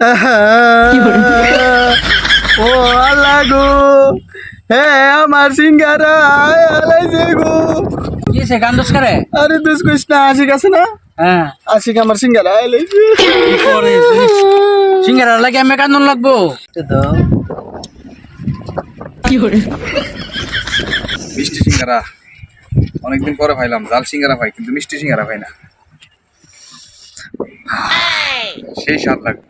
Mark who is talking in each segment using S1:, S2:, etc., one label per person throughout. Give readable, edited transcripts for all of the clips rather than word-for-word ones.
S1: ও আল্লাহ গো, হে আমার সিঙ্গারা আলাইছে গো।
S2: কি সে গান দোষ করে?
S1: আরে দোষ কইস না, আশিক আছে না?
S2: হ্যাঁ,
S1: আশিক আমার সিঙ্গারা আলাইছে।
S2: কি করে সিঙ্গারা লাগে আমি কান্দন লাগবো তো। কি করে
S3: মিষ্টি সিঙ্গারা অনেকদিন পরে পাইলাম। জাল সিঙ্গারা পাই কিন্তু মিষ্টি সিঙ্গারা পাই না। সেই স্বাদ লাগবে।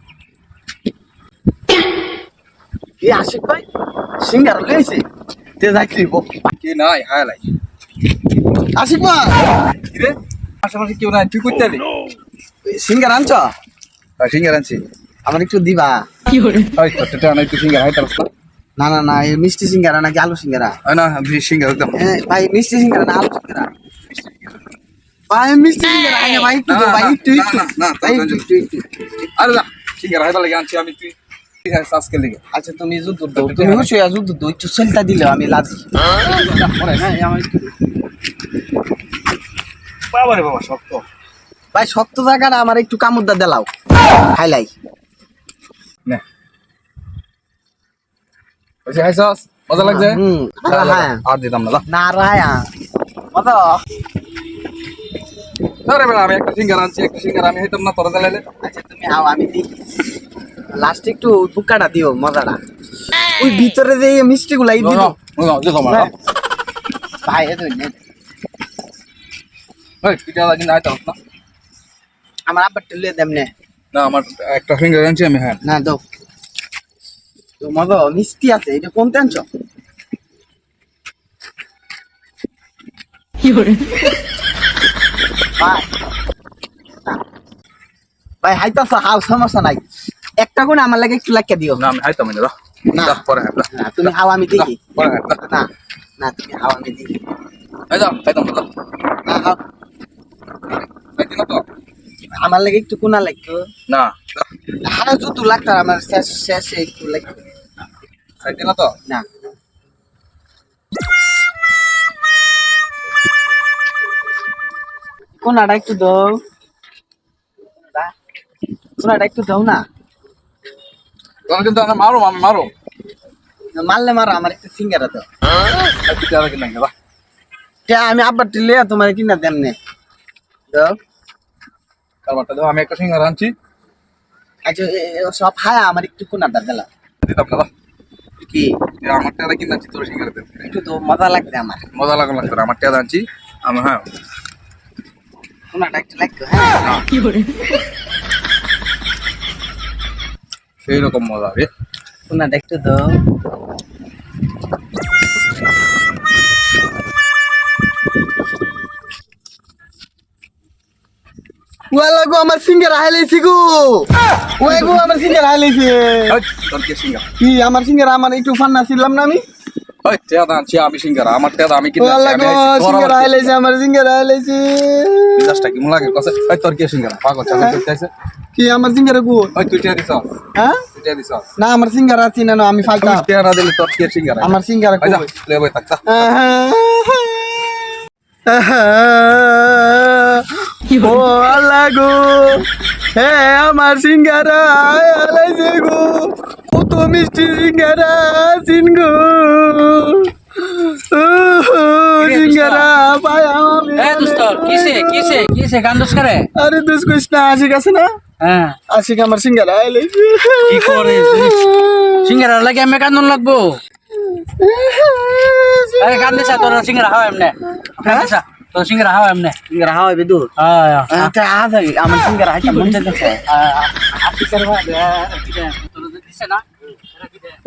S1: এই আশিক ভাই সিঙ্গারা লইছে, তে যাইছিব
S3: কি নাই হায় লাই।
S1: আশিক ভাই।
S3: কি রে, আশেপাশে কেউ নাই, তুই করতে আলি?
S1: সিঙ্গারা আনছ?
S3: সিঙ্গারা আনছি।
S1: আমার একটু দিবা?
S2: কি করে
S3: তোরটা নাই, তুই সিঙ্গারা হাইতে পারছ
S1: না না না, এই মিষ্টি সিঙ্গারা নাকি আলু সিঙ্গারা?
S3: না? সিঙ্গারা একদম
S1: ভাই মিষ্টি সিঙ্গারা না আলু সিঙ্গারা? ভাই মিষ্টি সিঙ্গারা আইনা ভাই, একটু দাও ভাই, একটু একটু ভাই, একটু।
S3: আরে না, সিঙ্গারা হাইতে লাগে আনছি আমি। তুই আজকে লেগে
S1: আচ্ছা তুমি যুদ্ধ দাও, তুমি হুঁশিয়া যুদ্ধ দাও, একটু সেলটা দিলেও আমি লাজি। আমার একটু
S3: বাবা রে বাবা, শক্ত।
S1: ভাই শক্ত জায়গাটা আমার একটু কামুদ্দা দেলাও, হাইলাই।
S3: নে ওই হাইছস, মজা লাগছে?
S1: হ্যাঁ
S3: আর দিতাম না।
S1: না রায়া কত?
S3: আরে বেটা, আমি একটা সিঙ্গারা আনছি, একটা সিঙ্গারা আমি হইতাম না তোরা জ্বালাইলে।
S1: আচ্ছা তুমি আও, আমি দিই লাস্ট একটু বুকাটা দিও, মজাটা ওই ভিতরে যে মিষ্টি গুলাই দিও ভাই।
S3: পিঠা লাগি না আইতাম না।
S1: আমার আব্বার টেলে দেমনে
S3: না, আমার একটা সিঙ্গারা আনছি আমি। হ্যাঁ
S1: না দাও তো, মজা মিষ্টি আছে, এটা কোনতে আনছো?
S2: কি করে
S1: ভাই ভাই হাইতাছ, হাও সমস্যা নাই, একটা কোন আমার লাগে একটু লাগিয়ে দিও।
S3: না, আমি আইতাম না।
S1: না।
S3: পরে হ্যাঁ
S1: না তুমি হাও, আমি দেখি।
S3: পরে হ্যাঁ
S1: না না তুমি হাও, আমি দেখি।
S3: যাও খাইতাম না।
S1: না হাও,
S3: খাইতি না তো?
S1: আমার লাগে একটু কোনা লাগতো।
S3: না
S1: হাও যত লাগতার আমার শেষ শেষে একটু লাগতো।
S3: খাইতি না তো?
S1: না কোনাটা একটু দাও, কোনাটা একটু দাও না।
S3: তোমরা কিন্তু আমি মারো, আমি মারো।
S1: মারলে মারো, আমার একটু সিঙ্গারা দাও।
S3: পিঠা লাগি না বা।
S1: আমি আব্বার টিলে তোমার কিনা দেমনে দাও।
S3: কারবারটা দাও, আমি একটা সিঙ্গারা আনছি।
S1: আচ্ছা সব হায়া আমার একটু কোনাটা দিলাম।
S3: দিতাম না।
S1: কি
S3: আমার টাকা কিনে আনছি, তোর সিঙ্গারা দেব।
S1: একটু তো মজা লাগবে আমার,
S3: মজা লাগলো লাগতো। আমার টাকা আনছি আমি। হ্যাঁ
S1: কোনাটা একটু লাগতো। হ্যাঁ
S2: কি করে
S3: সেই রকম মজা রে।
S1: কোনাটা একটু দাও। ওয়ালা গো, আমার সিঙ্গারা হাইলাইছি গো। ওই গো, আমার সিঙ্গারা হাইলাইছে।
S3: তোর কি সিঙ্গারা?
S1: কি আমার সিঙ্গারা? আমার একটু ফান্না ছিলাম না আমি?
S3: ওই টাকা আনছি আমি সিঙ্গারা। আমার টাকা আমি কিনে
S1: ওয়ালা
S3: আনছি।
S1: গো, সিঙ্গারা হাইলাইছে, আমার সিঙ্গারা হাইলাইছে।
S3: মিজাজটা কেমন লাগে কসে? ওই তোর কি সিঙ্গারা? পাগল চাকরি করতে আছে।
S1: কি আমার সিঙ্গারা গো?
S3: ওই তুই টাকা দিছ?
S1: হ্যাঁ
S3: তুই টাকা দিছ?
S1: না, আমার সিঙ্গারা আছে না, আমি ফালতা।
S3: তুই টাকা না দিলে তোর কি সিঙ্গারা?
S1: আমার সিঙ্গারা
S3: ওই যা,
S1: কই?
S3: লে বই থাক যা।
S1: ও আল্লাহ গো, হে আমার সিঙ্গারা আলাইছে গো, কত মিষ্টি সিঙ্গারা সিন গো। সিঙ্গারা পায় আমি।
S2: এ দোস্ত কিসে গান দোষ করে?
S1: আরে দোষ কইস না, আশিক আছে না?
S2: হ্যাঁ,
S1: আশিক আমার সিঙ্গারা আলাইছে।
S2: কি করে সিঙ্গারা লাগে আমি কান্দন লাগবো? আরে কান দিছা তোর সিঙ্গারা হাওয়া এমনে। কান দিছা তোর সিঙ্গারা হাওয়া এমনে।
S1: সিঙ্গারা হাওয়াই বেদু।
S2: হ্যাঁ
S1: আমার সিঙ্গারা হাইটা মন যাচ্ছে।
S2: আপনি করবা তোর দিছে না?